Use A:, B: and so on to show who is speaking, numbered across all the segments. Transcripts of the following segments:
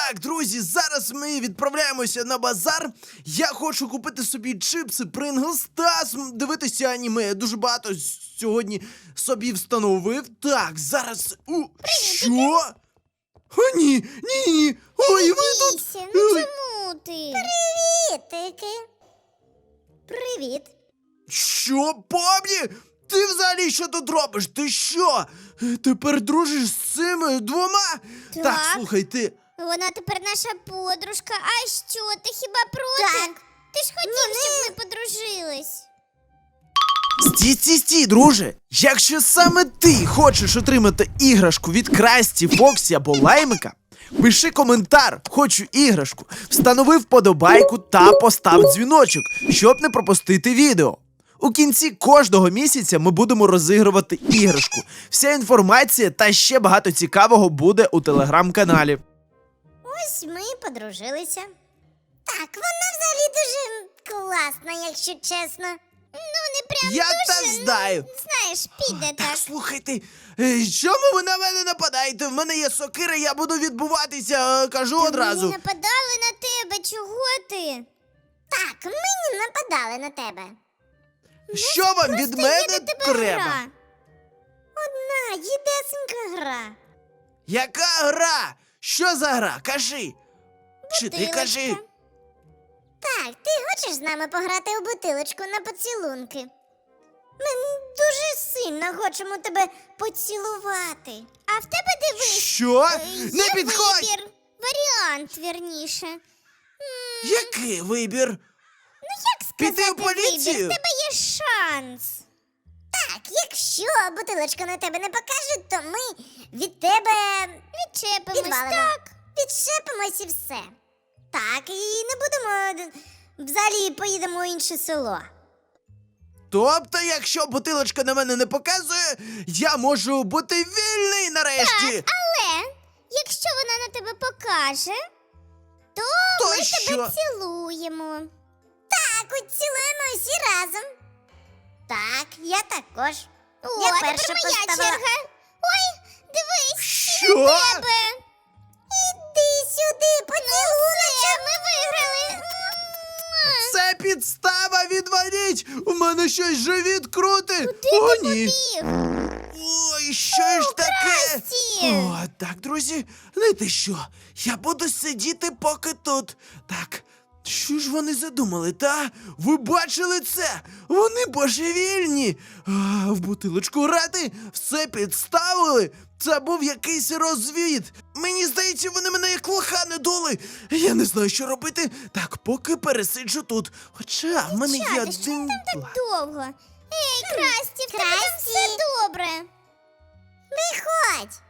A: Так, друзі, зараз ми відправляємося на базар. Я хочу купити собі чипси, Принглс та дивитися аніме. Я дуже багато сьогодні собі встановив. Так, зараз. Що? О, ні, ні. Ой, ви тут.
B: Дивися, ну чому ти?
C: Привітики. Привіт.
A: Що, Помні? Ти взагалі що тут робиш? Ти що? Тепер дружиш з цими двома? Так, слухай, ти.
B: Вона тепер наша подружка. А що, ти хіба проти?
C: Так.
B: Ти ж хотів, щоб ми подружились.
A: Стій, друже. Якщо саме ти хочеш отримати іграшку від Красті, Фоксі або Лаймика, пиши коментар «Хочу іграшку», встанови вподобайку та постав дзвіночок, щоб не пропустити відео. У кінці кожного місяця ми будемо розігрувати іграшку. Вся інформація та ще багато цікавого буде у телеграм-каналі.
C: Ось ми і подружилися. Так, вона взагалі дуже класна, якщо чесно.
B: Ну, не прям
A: Я
B: дуже,
A: так знаю.
B: знаєш, піде
A: Так,
B: так.
A: слухайте, чому ви на мене нападаєте? В мене є сокира, я буду відбуватися, кажу одразу.
B: Ми нападали на тебе, чого ти?
C: Так, ми не нападали на тебе.
A: Що вам від
B: Просто
A: мене
B: є до тебе
A: треба?
B: гра.
C: Одна єдесенька гра.
A: Яка гра? Що за гра? Кажи. Чи ти
B: Бутилочка.
A: кажи?
C: Так, ти хочеш з нами пограти у бутилочку на поцілунки? Ми дуже сильно хочемо тебе поцілувати.
B: А в тебе дивись.
A: Що?
B: Є
A: Не підходь!
B: вибір. Варіант, вірніше.
A: Який вибір?
B: Ну як сказати
A: Піти в поліцію?
B: вибір? В тебе є шанс.
C: Так, якщо бутилочка на тебе не покаже, то ми від тебе
B: Відчепимось,
C: відвалимо.
B: так?
C: Відчепимось і все. Так, і не будемо взагалі поїдемо у інше село.
A: Тобто, якщо бутилочка на мене не показує, я можу бути вільний нарешті.
B: Але якщо вона на тебе покаже, то
A: То
B: ми
A: що?
B: тебе цілуємо.
C: Так, от цілуємо всі разом. Так, я також.
B: О,
C: Я
B: а
C: перша
B: тепер моя
C: поставила.
B: черга. Ой, дивись,
A: Що?
B: тебе.
C: Іди сюди, поцілуночок.
B: Ми виграли.
A: Це підстава, відваліть! У мене щось живіт крутить!
B: Куди
A: О,
B: ти
A: ні!
B: побіг?
A: Ой, що ж таке?
B: Красті!
A: О, так, друзі, знаєте що? Я буду сидіти поки тут. Так, що ж вони задумали, та? Ви бачили це? Вони божевільні! В бутилочку грати все підставили! Це був якийсь розвід! Мені здається, вони мене як лоха не дули! Я не знаю, що робити. Так, поки пересиджу тут. Хоча в мене є
B: Дівчата, що
A: один
B: там так
A: план.
B: довго? Ей, Красті, в тебе там
C: Красті.
B: все добре.
C: Виходь.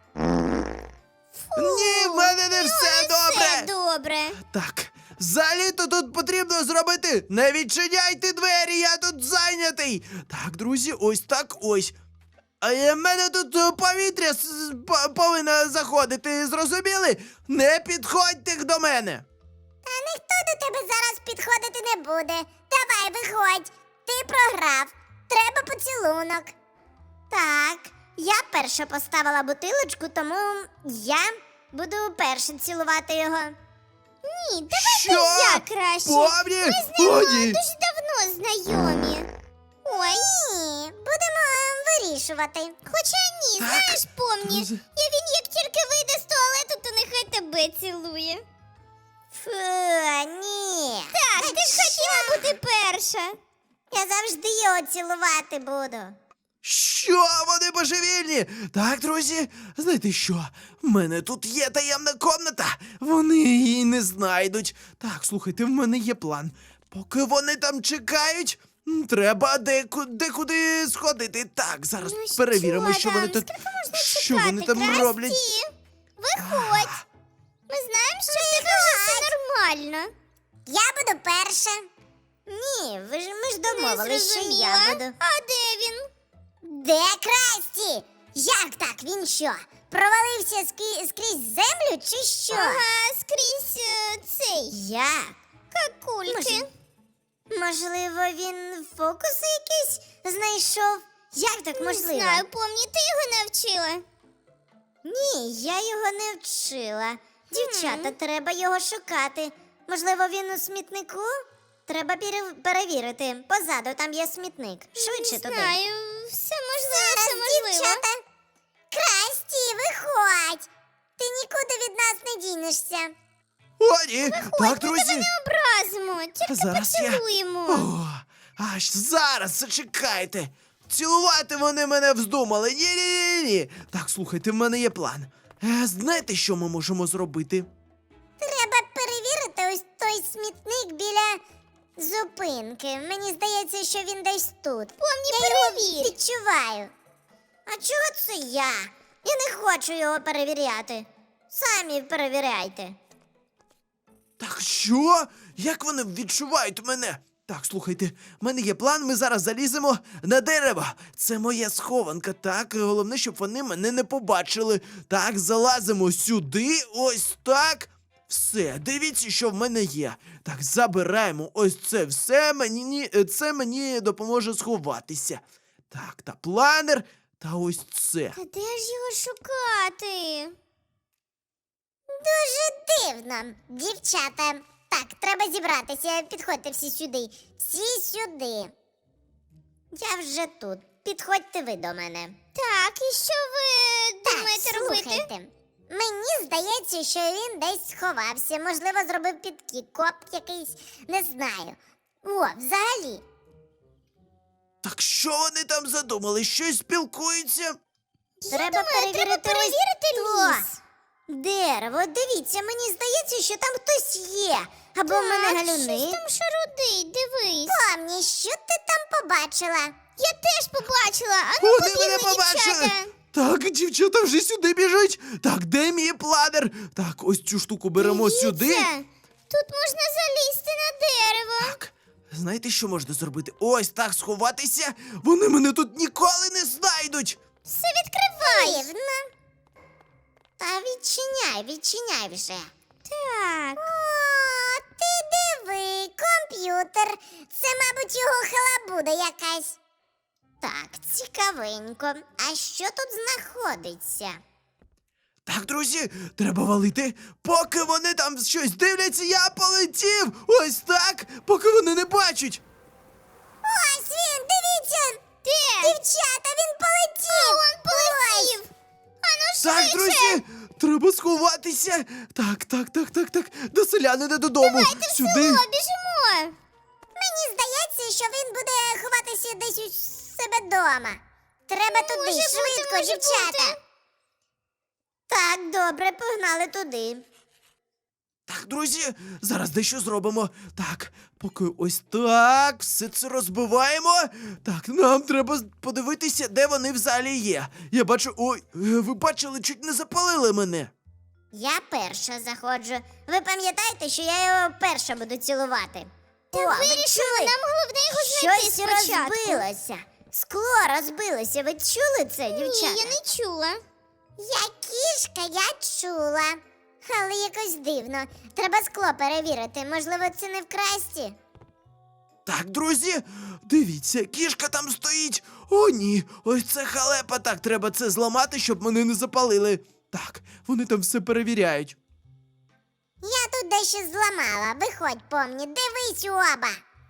A: Ні, в мене не все добре!
B: Все добре.
A: Так, взагалі-то тут потрібно зробити. Не відчиняйте двері, я тут зайнятий. Так, друзі, ось так ось. А в мене тут повітря повинно заходити, зрозуміли? Не підходьте до мене.
C: Та ніхто до тебе зараз підходити не буде. Давай, виходь. Ти програв. Треба поцілунок. Так, я перша поставила бутилочку, тому я буду перша цілувати його.
B: Ні, давайте
A: Що?
B: я краще.
A: Помні?
B: Ми з
A: О,
B: ним
A: ні.
B: дуже давно знайомі. Ой,
C: Ні, будемо вирішувати.
B: хоча ні,
A: Так,
B: знаєш, помні,
A: друзі.
B: він як тільки вийде з туалету, то нехай тебе цілує.
C: Фу, ні.
B: Так, ти ж хотіла бути перша.
C: Я завжди його цілувати буду.
A: Що? Вони божевільні? Так, друзі, знаєте що? В мене тут є таємна комната. Вони її не знайдуть. Так, слухайте, в мене є план. Поки вони там чекають, треба декуди сходити. Так, зараз
B: Ну
A: перевіримо, що вони
B: там?
A: тут.
B: Скільки можна
A: Що
B: чекати,
A: вони там
B: Красті?
A: роблять?
B: Виходь. Ми знаємо, що в тебе вже все нормально.
C: Я буду перша. Ні, ми ж домовились, що я
B: зрозуміла.
C: буду.
B: А де він?
C: Де Красті? Як так? Він що? Провалився скрізь землю чи що?
B: Ага, скрізь цей.
C: Як?
B: Какульки.
C: Можливо, він фокуси якісь знайшов? Як так
B: Не
C: можливо?
B: знаю, помні, ти його навчила.
C: Ні, я його не вчила. Дівчата, треба його шукати. Можливо, він у смітнику? Треба перевірити. Позаду там є смітник. Швидше туди.
B: Знаю, все можливо, все можливо.
C: Дівчата. Красті, виходь. Ти нікуди від нас не дінешся.
A: О, ні! Так, друзі!
B: Не образимо, тільки
A: Зараз я-
B: поцілуємо.
A: О, аж зараз, зачекайте! Цілувати вони мене вздумали. Ні-ні-ні. Так, слухайте, в мене є план. Знаєте, що ми можемо зробити?
C: Треба перевірити ось той смітник біля зупинки. Мені здається, що він десь тут. Я його
B: перевір.
C: відчуваю. А чого це я? Я не хочу його перевіряти. Самі перевіряйте.
A: Так що? Як вони відчувають мене? Так, слухайте, в мене є план, ми зараз заліземо на дерево. Це моя схованка, так? Головне, щоб вони мене не побачили. Так, залазимо сюди, ось так. Все, дивіться, що в мене є. Так, забираємо ось це все, це мені допоможе сховатися. Так, та планер, та ось це.
B: Та де ж його шукати?
C: Дуже дивно, дівчата. Так, треба зібратися. Підходьте всі сюди. Всі сюди. Я вже тут. Підходьте ви до мене.
B: Так, і що ви думаєте робити?
C: Слухайте. Мені здається, що він десь сховався. Можливо, зробив підкоп якийсь, не знаю. О, взагалі.
A: Так що вони там задумали? Щось спілкуються?
C: Треба перевірити
B: перевірити ліс.
C: Дерево, дивіться, мені здається, що там хтось є. Або в мене
B: Так,
C: галюни.
B: щось там шарудить, дивись.
C: Помні, що ти там побачила?
B: Я теж побачила, а ну
A: Вони мене
B: побігли,
A: побачили!
B: дівчата.
A: Так, дівчата вже сюди біжать. Так, де мій планер? Так, ось цю штуку беремо сюди.
B: Дивіться, тут можна залізти на дерево.
A: Так, знаєте, що можна зробити? Ось так сховатися. Вони мене тут ніколи не знайдуть.
B: Все відкривай.
C: Дивно. Та відчиняй вже.
B: Так.
C: О, ти диви, комп'ютер. Це, мабуть, його халабуда якась. Так, цікавенько. А що тут знаходиться?
A: Так, друзі, треба валити. Поки вони там щось дивляться, я полетів. Ось так, поки вони не бачать.
C: Ось він, дивіться!
B: Де?
C: Дівчата, він полетів!
B: Он полетів. Ану
A: Так,
B: швидше.
A: друзі, треба сховатися. Так. До селянина додому. Сюди.
B: Село, біжимо.
C: Мені здається, що він буде ховатися десь у себе вдома. Треба туди,
B: Може бути,
C: швидко,
B: може
C: дівчата.
B: бути.
C: Так, добре, погнали туди.
A: Так, друзі, зараз дещо зробимо. Так, поки ось так, все це розбиваємо. Так, нам треба подивитися, де вони взагалі є. Я бачу. Ой, ви бачили, чуть не запалили мене.
C: Я перша заходжу. Ви пам'ятаєте, що я його перша буду цілувати?
B: Та
C: О, ви
B: вирішили,
C: чули?
B: нам головне його знайти
C: Щось
B: спочатку.
C: розбилося. Скло розбилося. Ви чули це, дівчата?
B: Ні, я не чула.
C: Я кішка, я чула. Але якось дивно. Треба скло перевірити. Можливо, це не в красті.
A: Так, друзі, дивіться, кішка там стоїть. О, ні, ось це халепа. Так, треба це зламати, щоб мене не запалили. Так, вони там все перевіряють.
C: Я тут дещо зламала. Виходь, помні, дивись у оба.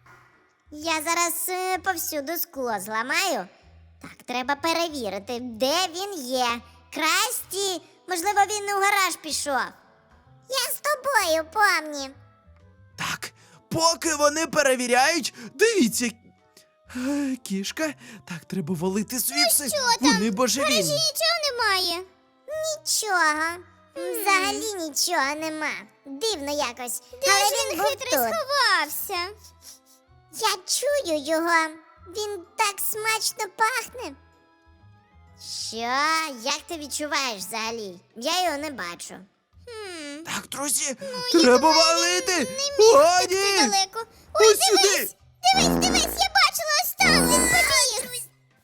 C: Я зараз повсюду скло зламаю. Так, треба перевірити, де він є. Красті, можливо, він у гараж пішов. Я з тобою, помні.
A: Так, поки вони перевіряють, дивіться. Кішка, так, треба валити звідси.
B: що там?
A: Вони
B: В гаражі
A: божевільні.
B: нічого немає.
C: Нічого. Взагалі нічого нема. Дивно якось.
B: Де
C: Але
B: ж
C: він
B: він
C: був
B: хитрий
C: тут.
B: сховався?
C: Я чую його. Він так смачно пахне. Що? Як ти відчуваєш взагалі? Я його не бачу.
A: Так, друзі, треба валити. О,
B: Ти
A: ні!
B: далеко. Ой,
A: Ось сюди!
B: дивись, я бачила ось там, він побіг.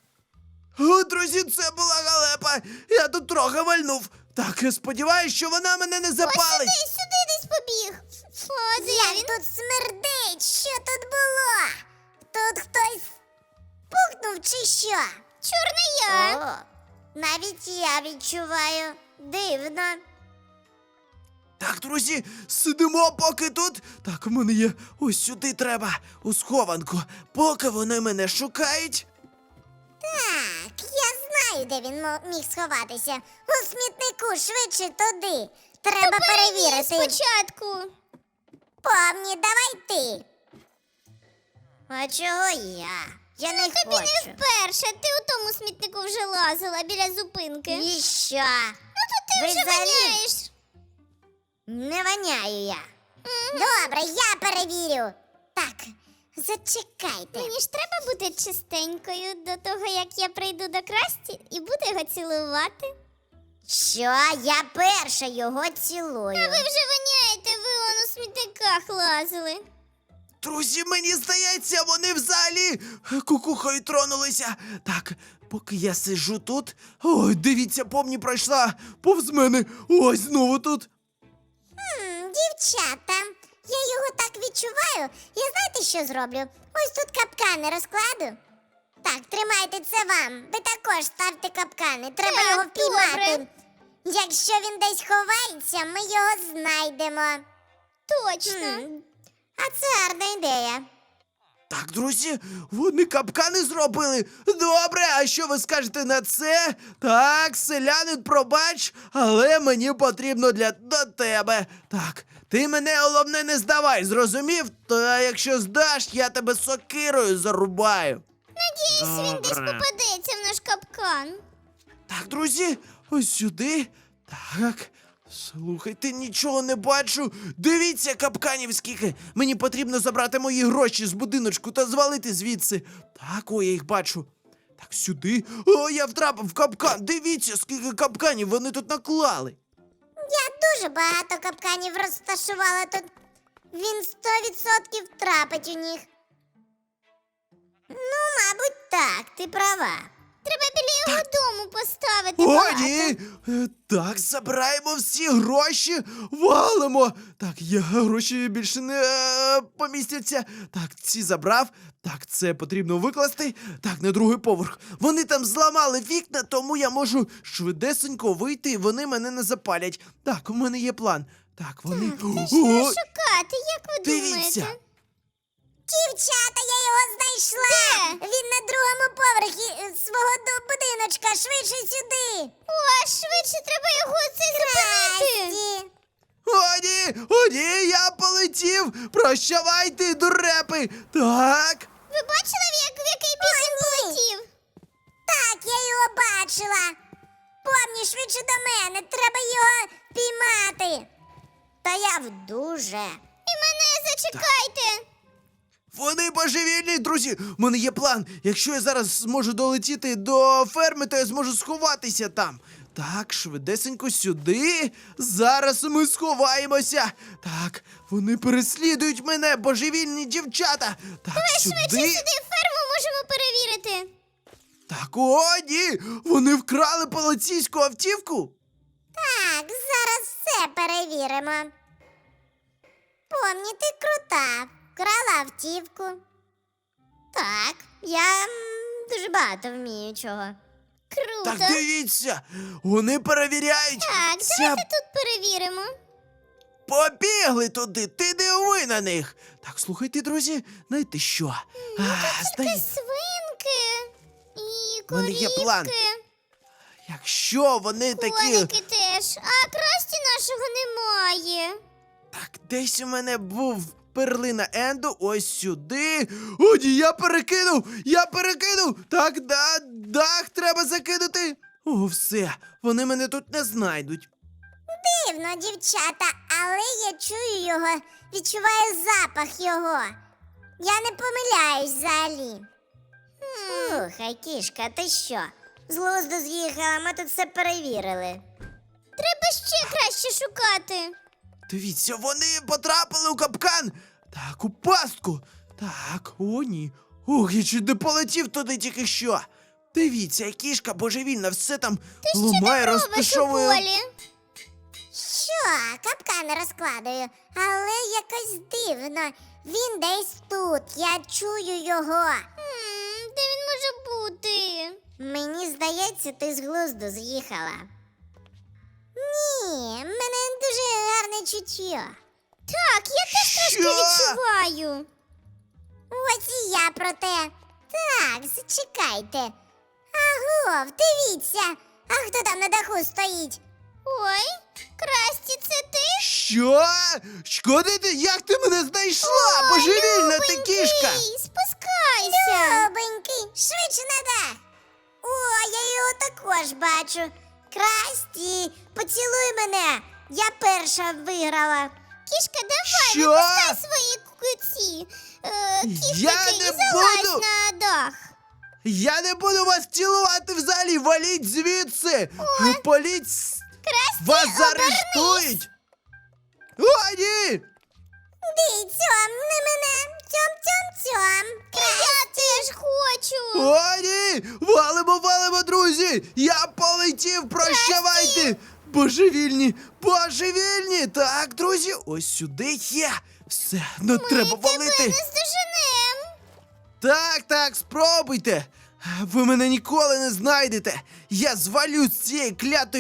A: О, друзі, це була галепа. Я тут трохи вальнув. Так, я сподіваюся, що вона мене не запалить.
B: Сюди десь побіг. О, де
C: Як
B: він?
C: тут смердить? Що тут було? Тут хтось пукнув чи що?
B: Чорний я.
C: О, навіть я відчуваю. Дивно.
A: Так, друзі, сидимо поки тут. Так, у мене є ось сюди треба, у схованку. Поки вони мене шукають.
C: Так, я знаю, де він міг сховатися. У смітнику, швидше туди. Треба перевірити.
B: Спочатку.
C: Помні, давай ти. А чого я? Я не
B: Тобі
C: хочу.
B: не вперше. Ти у тому смітнику вже лазила біля зупинки.
C: І що?
B: Ну то ти
C: Ви
B: вже
C: взагалі-
B: воняєш.
C: Не воняю я. Добре, я перевірю. Так, зачекайте.
B: Мені ж треба бути чистенькою до того, як я прийду до Красті і буду його цілувати.
C: Що? Я перша його цілую.
B: А ви вже воняєте, ви он у смітниках лазили.
A: Друзі, мені здається, вони взагалі кукухою тронулися. Так, поки я сиджу тут. Ой, дивіться, помні пройшла повз мене. Ось знову тут.
C: Дівчата, я його так відчуваю. Я знаєте, що зроблю? Ось тут капкани розкладу. Так, тримайте це вам. Ви також ставте капкани. Треба
B: Так,
C: його впіймати.
B: добре.
C: Якщо він десь ховається, ми його знайдемо.
B: Точно.
C: А це гарна ідея.
A: Так, друзі, вони капкани зробили. Добре, а що ви скажете на це? Так, селянин, пробач, але мені потрібно до тебе. Так, ти мене головне не здавай, зрозумів? Та якщо здаш, я тебе сокирою зарубаю.
B: Надіюсь, він десь попадеться в наш капкан.
A: Так, друзі, ось сюди. Так. Слухайте, нічого не бачу. Дивіться, капканів скільки. Мені потрібно забрати мої гроші з будиночку та звалити звідси. Так, ой, я їх бачу. Так, сюди. О, я втрапив в капкан. Дивіться, скільки капканів вони тут наклали.
C: Я дуже багато капканів розташувала тут. Він 100% втрапить у них. Ну, мабуть, так, ти права.
B: Треба біля його дому поставити
A: О,
B: багато.
A: ні! Так, забираємо всі гроші, валимо. Так, я гроші більше не помістяться. Так, ці забрав. Так, це потрібно викласти. Так, на другий поверх. Вони там зламали вікна, тому я можу швидесенько вийти, і вони мене не запалять. Так, у мене є план. Так, вони.
B: Та що шукати, як ви
A: дивіться.
B: думаєте?
C: Дівчата, я його знайшла!
B: Де?
C: Він на другому поверхі свого будиночка, швидше сюди!
B: О, швидше треба його це зупинити.
C: Красті!
A: О, ні, я полетів! Прощавайте, дурепи! Так.
B: Ви бачили, в який бік він
C: ні.
B: полетів?
C: Так, я його бачила! Помні, швидше до мене, треба його піймати! Та я в дуже.
B: І мене зачекайте.
A: Вони божевільні, друзі! У мене є план. Якщо я зараз зможу долетіти до ферми, то я зможу сховатися там. Так, швидесенько сюди. Зараз ми сховаємося. Так, вони переслідують мене, божевільні дівчата. Так,
B: Швидше сюди ферму можемо перевірити.
A: Так, о, ні! Вони вкрали поліцейську автівку.
C: Так, зараз все перевіримо. Помні, ти крута. Вкрала автівку. Так, я дуже багато вмію чого.
B: Круто.
A: Так, дивіться, вони перевіряють.
B: Так, давайте тут перевіримо.
A: Побігли туди, ти диви на них. Так, слухайте, друзі, знаєте що?
B: Тільки свинки і
A: В мене є план.
B: корівки.
A: Якщо вони такі.
B: Коники теж. А красті нашого немає.
A: Так, десь у мене був перлина Енду, ось сюди. О, ні, я перекинув! Я перекинув! Так, дах треба закинути. О, все, вони мене тут не знайдуть.
C: Дивно, дівчата, але я чую його, відчуваю запах його. Я не помиляюсь взагалі. Слухай, кішка, ти що? З глузду з'їхала, ми тут все перевірили.
B: Треба ще краще шукати.
A: Дивіться, вони потрапили у капкан. Так, у пастку. Так, о, ні. Ох, я чуть не полетів туди тільки що. Дивіться, кішка божевільна, все там ламає,
B: Робиш у
A: розташовує.
B: полі.
C: Що, капкани розкладаю, але якось дивно. Він десь тут, я чую його.
B: Де він може бути?
C: Мені здається, ти з глузду з'їхала. Ні, в мене дуже гарне чуття.
B: Так, я теж трошки
A: Що?
B: відчуваю.
C: Ось і я про те. Так, зачекайте. Агов, дивіться. А хто там на даху стоїть?
B: Ой, Красті, це ти?
A: Що? Шкоди ти? Як ти мене знайшла? Божевільна ти кішка!
B: Ей, спускайся.
C: Любенький, швидше на дах. О, я його також бачу. Красті, поцілуй мене. Я перша виграла.
B: Кішка, давай,
A: Що?
B: випускай свої куці.
A: Я
B: Кішки,
A: не
B: і залазь
A: буду.
B: на дах.
A: Я не буду вас цілувати взагалі! Валіть звідси! Політь! Вас заарештують! О, ні!
C: Ди, цьом, не мене. Цьом.
B: Я теж хочу.
A: О, ні! Валимо, друзі! Я полетів, прощавайте! Божевільні! Так, друзі, ось сюди є! Все, ну треба
B: Тебе
A: валити!
B: не здоженем.
A: Так, спробуйте! Ви мене ніколи не знайдете! Я звалю з цієї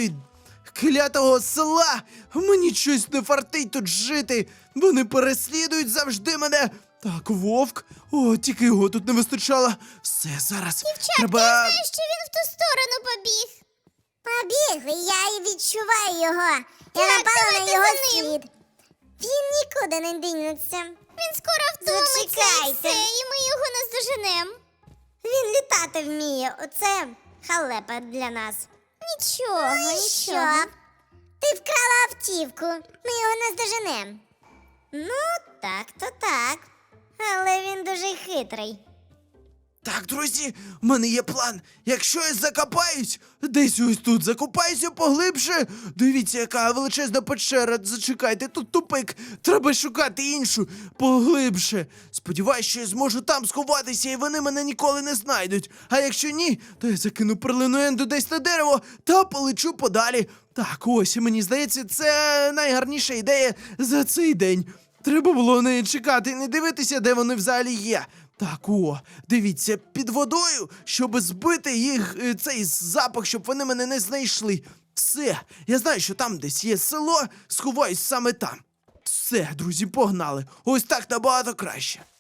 A: клятого села! Мені щось не фартить тут жити! Вони переслідують завжди мене! Так, вовк! О, тільки його тут не вистачало! Все, зараз треба...
B: Я знаю, що він в ту сторону побіг.
C: Побігли, я і відчуваю його. Я
B: Так,
C: напала на
B: давайте
C: його
B: за ним.
C: слід. Він нікуди не дінеться.
B: Він скоро втомиться і
C: Зачекайте.
B: все, і ми його наздоженем.
C: Він літати вміє. Оце халепа для нас.
B: Нічого,
C: Ну і
B: нічого.
C: що? Ти вкрала автівку. Ми його наздоженем. Ну, так. Але він дуже хитрий.
A: Так, друзі, в мене є план. Якщо я закопаюсь, десь ось тут закопаюся поглибше. Дивіться, яка величезна печера. Зачекайте, тут тупик. Треба шукати іншу поглибше. Сподіваюсь, що я зможу там сховатися, і вони мене ніколи не знайдуть. А якщо ні, то я закину перлину Енду десь на дерево та полечу подалі. Так, ось, мені здається, це найгарніша ідея за цей день. Треба було не чекати і не дивитися, де вони взагалі є. Так, дивіться, під водою, щоб збити їх цей запах, щоб вони мене не знайшли. Все, я знаю, що там десь є село, сховаюсь саме там. Все, друзі, погнали. Ось так набагато краще.